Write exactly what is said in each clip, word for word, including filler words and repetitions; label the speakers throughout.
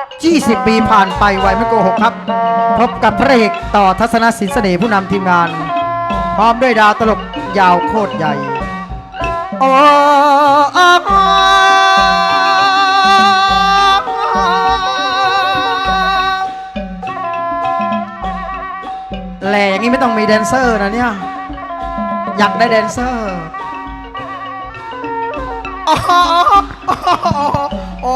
Speaker 1: ยี่สิบปีผ่านไปไวไม่โกหกครับพบกับพระเอกต่อทัศนศิลป์เสน่ห์ผู้นำทีมงานพร้อมด้วยดาวตลกยาวโคตรใหญ่โอ้แหล่อย่างนี้ไม่ต้องมีแดนเซอร์นะเนี่ยอยากได้แดนเซอร์โอ้โอ้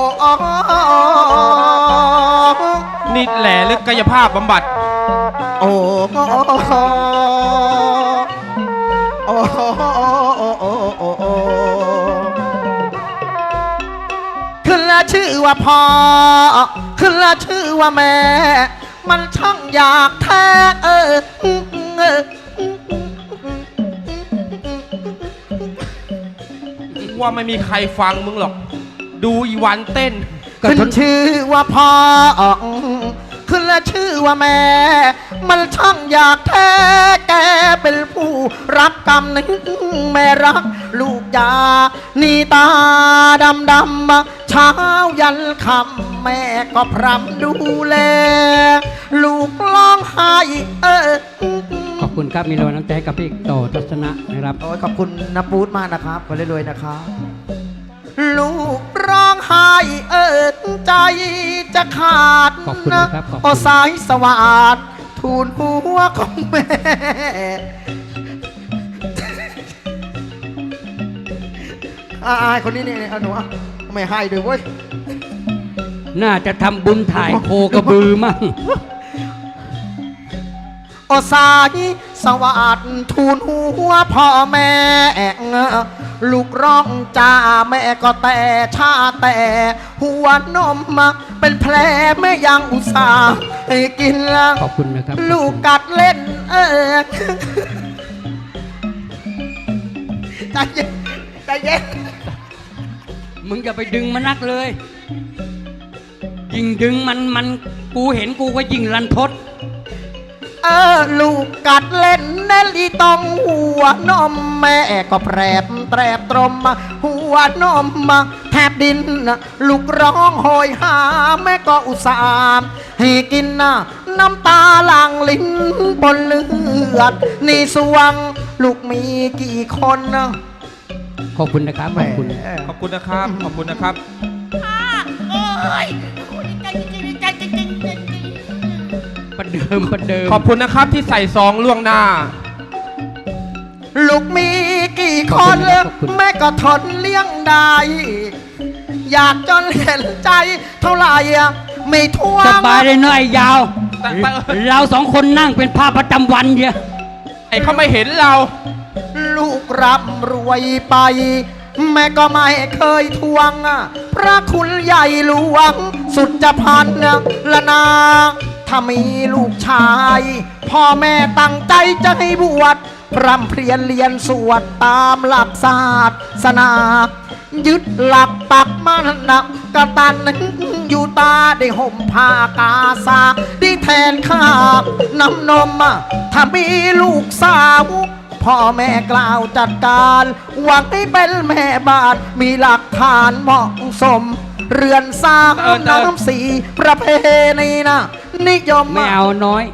Speaker 2: นี่แหล่หรือกายภาพบำบัด
Speaker 1: โอ้โอ้โอ้โอ้ขึ้นแล้วชื่อว่าพ่อขึ้นแล้วชื่อว่าแม่มันช่างอยากแท้เออ
Speaker 2: ว่าไม่มีใครฟังมึงหรอกดูอีวันเต้น
Speaker 1: ขึ้นชื่อว่าพ่อขึ้นแล้วชื่อว่าแม่มันช่างอยากแท้แกเป็นผู้รับกรรมนั้นแม่รักลูกยานี่ตาดำดำเช้ายันคำแม่ก็พรำดูแลลูกร้องไห้เออ
Speaker 3: ขอบคุณครับมีรางวัลน้ำใจกับพี่ต่อทัศนะนะครับ
Speaker 1: โอ้ยขอบคุณนะปูดมากนะครับขอรวยๆนะครับลูกร้องไห้เอิดใจจะขาด
Speaker 3: ขอบคุณนะครับ
Speaker 1: โอสายสวัสดทูลหัวของแม่อายคนนี้นี่หนูไม่ให้ด้วยเว้ย
Speaker 3: น่าจะทำบุญถ่ายโคกระบือมั่ง
Speaker 1: โอสายสวัสดทูลหัวพ่อแม่ลูกร้องจ้าแม่ก็แต่ชาแต่หัวนมมาเป็นแผลแม่ยังอุตส่าห์ให้กิน
Speaker 3: ขอบคุณนะครับ
Speaker 1: ลูกกัดเล่นเออใจเย็นใจเย็น
Speaker 3: มึงอย่าไปดึงมันนักเลยยิ่งดึงมันมันกูเห็นกูก็ยิ่งรันทด
Speaker 1: เออลูกกัดเล่นเนลีตองหัวนมแม่ก็แปรบแตรบตรมหัวนมแทบดินลูกร้องโหยหาแม่ก็อุตส่าห์ให้กินน้ำตาหลั่งลิ้นบนเลือดนี่สวงลูกมีกี่คน
Speaker 3: ขอบคุณนะครับขอบคุณ
Speaker 2: ขอบคุณนะครับขอบคุณนะครับ
Speaker 3: ประเดิมประเดิม
Speaker 2: ขอบคุณนะครับที่ใส่ซองล่วงหน้า
Speaker 1: ลูกมีกี่คนแม่ก็ทนเลี้ยงได้อยากจนเห็นใจเท่าไหร่ไม่ท่วง
Speaker 3: สบายเลยน้อยยาวเราสองคนนั่งเป็นภาพประจำวันเยอะ
Speaker 2: ไอ้เขาไม่เห็นเรา
Speaker 1: ลูกร่ำรวยไปแม่ก็ไม่เคยทวงพระคุณใหญ่หลวงสุดจะพันละนาถ้ามีลูกชายพ่อแม่ตั้งใจจะให้บวชพร่ำเพรียนเรียนสวดตามหลักศาสนายึดหลักปักมันนักกระตันอยู่ตาได้ห่มผ้ากาสาได้แทนข้าน้ำนมถ้ามีลูกสาวพ่อแม่กล่าวจัดการหวังให้เป็นแม่บ้านมีหลักฐานเหมาะสมเรือนสร้างน้ำสีประเพณีนะนิยม
Speaker 3: ไม่เอาน้อย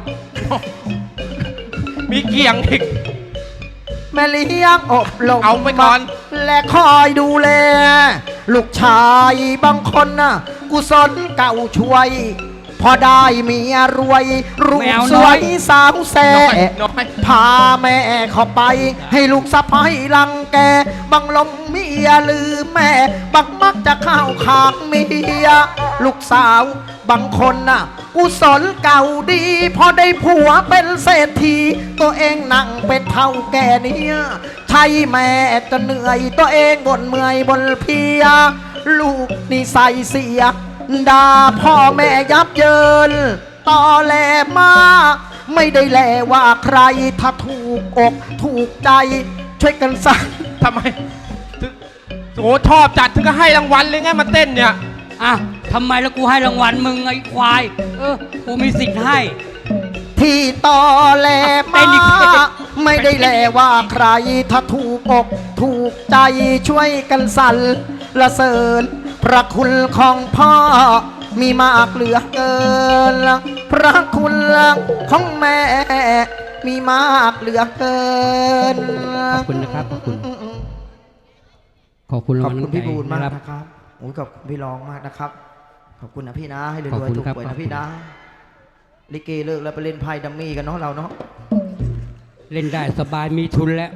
Speaker 2: มีเกี่ยงอีก
Speaker 1: แม่เลี้ยงอบรม
Speaker 2: เอาไปก่อน
Speaker 1: และคอยดูแลลูกชายบางคนนะกุศลเก่าช่วยพอได้เมียรวยรูปสวยสาวแซ่พาแม่เข้าไปให้ลูกสะพ้ายรังแกบังลมเมียลืมแม่บังมักจะเข้าขางเมียลูกสาวบางคนน่ะกุศลเก่าดีพอได้ผัวเป็นเศรษฐีตัวเองนั่งเป็นเท่าแก่เนี่ยใช่แม่จะเหนื่อยตัวเองบ่นเมื่อยบ่นเพียลูกนี่ใส่เสียด่าพ่อแม่ยับเยินต่อแลมาไม่ได้แลว่าใครถ้าถูกอกถูกใจช่วยกันสั่ง
Speaker 2: ทำไมโอ้ชอบจัดถึงก็ให้รางวัลเลยไงมาเต้นเนี่ย
Speaker 3: อ่ะทำไมแล้วกูให้รางวัลมึงไอ้ควายเออกูมีสิทธิ์ให้
Speaker 1: ที่ต่อแลมาไม่ได้แลว่าใครถ้าถูกอกถูกใจช่วยกันสั่นละเสริญพระคุณของพ่อมีมากเหลือเกิน พระคุณของแม่ มีมากเหลือเกิน
Speaker 3: ขอบคุณนะครับขอบคุณ ขอบคุณ
Speaker 1: ข
Speaker 3: รา
Speaker 1: อบ
Speaker 3: งวัล
Speaker 1: คุณ
Speaker 3: น้ำใจ
Speaker 1: พี่บูลมาก
Speaker 3: นะครับ
Speaker 1: นะครับโอ้ยขอบคุณพี่รองมากนะครับ ขอบคุณนะพี่นะ ให้ร
Speaker 3: ขอบ
Speaker 1: วย
Speaker 3: คุณ
Speaker 1: ๆถูก
Speaker 3: ครับ
Speaker 1: หวย
Speaker 3: ขอบ
Speaker 1: นะ
Speaker 3: คุณ
Speaker 1: พี่นะ ลิเกเลิกแล้วไปเล่นไพ่ดัมมี่กันเนาะเราเนาะ
Speaker 3: เล่นได้สบายมีทุนแล้ว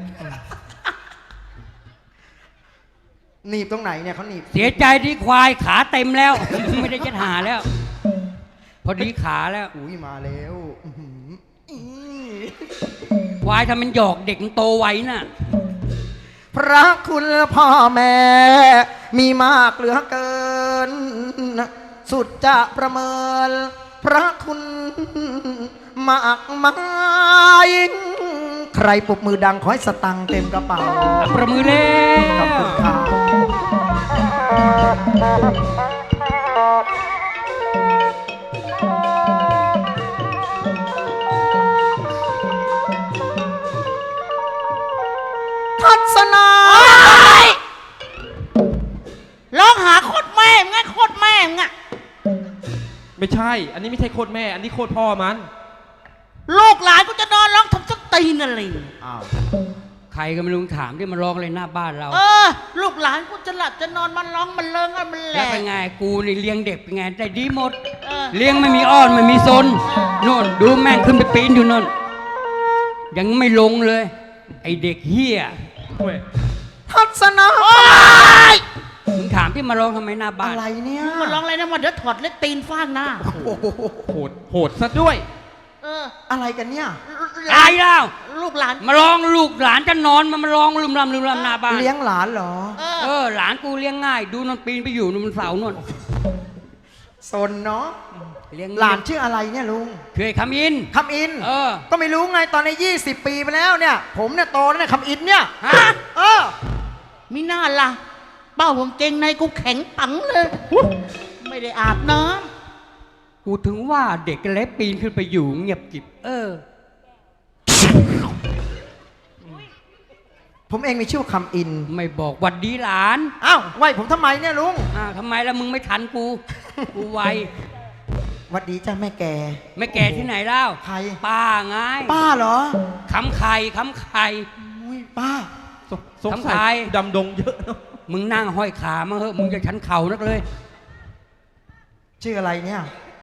Speaker 1: หนีบตรงไหนเนี่ยเขาหนีบ
Speaker 3: เสียใจที่ควายขาเต็มแล้ว ไม่ได้จะหาแล้ว พอดีขาแล้ว
Speaker 1: อุ้ยมาแล้วอื้อหืออี
Speaker 3: ควายทำมันหยอกเด็กมันโตไวน่ะ
Speaker 1: พระคุณพ่อแม่ มีมากเหลือเกิน สุดจะประเมิน พระคุณมากมายใครปรบมือดังขอให้สตังค์เต็มกระเป๋า
Speaker 3: ประมือเล่
Speaker 1: ขอบคุณครับทัศนา
Speaker 4: ร้องหาโคตรแม่ไงโคตรแม่งอะ
Speaker 2: ไม่ใช่ อันนี้ไม่ใช่โคตรแม่ อันนี้โคตรพ่อมัน
Speaker 4: ลูกหลานกูจะนอนร้องทำสักตีนอะไร
Speaker 1: อ้าว
Speaker 3: ใครก็ไม่รู้ถามที่มาร้องเลยหน้าบ้านเรา
Speaker 4: เออ ลูกหลานกูจะหลับจะนอนมันร้องมันเลิงอะมันแหล
Speaker 3: แล้ว
Speaker 4: ก
Speaker 3: เป็นไงกูนี่เลี้ยงเด็กเป็นไงได้ดีหมด
Speaker 4: เออ
Speaker 3: เลี้ยงไม่มีอ้อนไม่มีซนนู่นดูแม่งขึ้นไปปีนอยู่นู่นยังไม่ลงเลย ไอเด็กเฮีย
Speaker 1: ทัศนา
Speaker 3: มึงถามที่มาร้องทำไมหน้าบ้า
Speaker 1: อะ
Speaker 3: น
Speaker 1: ไรเนี่ย
Speaker 4: มันร้องอะไรนะมันเดี๋ยวถอดเล็บตีนฟาดหน้า
Speaker 1: โอ้โห
Speaker 2: โหด โหดซะด้วย
Speaker 4: เออ
Speaker 1: อะไรกันเนี่ย
Speaker 3: ตายแล้ว
Speaker 4: ลูกหลาน
Speaker 3: มาร้องลูกหลานจะนอนมามาร้องลืมลำลืมลำหน้าบ้าน
Speaker 1: เลี้ยงหลานเหรอ
Speaker 4: เอ
Speaker 3: เอ
Speaker 4: อ
Speaker 3: อหลานกูเลี้ยงง่าย ดูนอนปีนไปอยู่นนเสาโนน
Speaker 1: สนเนาะ
Speaker 3: เลี้ยง
Speaker 1: หลานชื่ออะไรเนี่ยลุง
Speaker 3: เคยคำอิน
Speaker 1: คำอิน
Speaker 3: เออ
Speaker 1: ก็ไม่รู้ไงตอนในยี่สิบปีไปแล้วเนี่ย ผมเนี่ยโตแล้วเนี่ยคำอินเนี่ย
Speaker 3: ฮะ
Speaker 1: เออ
Speaker 4: มีหน้าล่ะ เป้าผมเกงในกูแข็งปังเลย ไม่ได้อาบน้
Speaker 3: กูถึงว่าเด็กเล็กปีนขึ้นไปอยู่เงียบกิบ เออ
Speaker 1: ผมเองมีชื่อว่าคำอิน
Speaker 3: ไม่บอกหวัดดีหลาน
Speaker 1: อ้าวไหวผมทำไมเนี่ยลุง
Speaker 3: อ้าวทำไมล่ะมึงไม่ทันกู กูไว
Speaker 1: หวัดดีจ้าแม่แก
Speaker 3: ไม่แก่ที่ไหนแล้ว
Speaker 1: ใคร
Speaker 3: ป้าไง
Speaker 1: ป้าเหรอ
Speaker 3: คำไข่คำไข่
Speaker 1: อุ้ยป้า
Speaker 2: สสง
Speaker 3: ทำ
Speaker 2: สั
Speaker 3: ไม
Speaker 2: ยดำดงเยอะเนอะ
Speaker 3: มึงนั่งห้อยขามาเหอะมึงจะชันเข่านักเลย
Speaker 1: ชื่ออะไรเนี่ย
Speaker 3: อ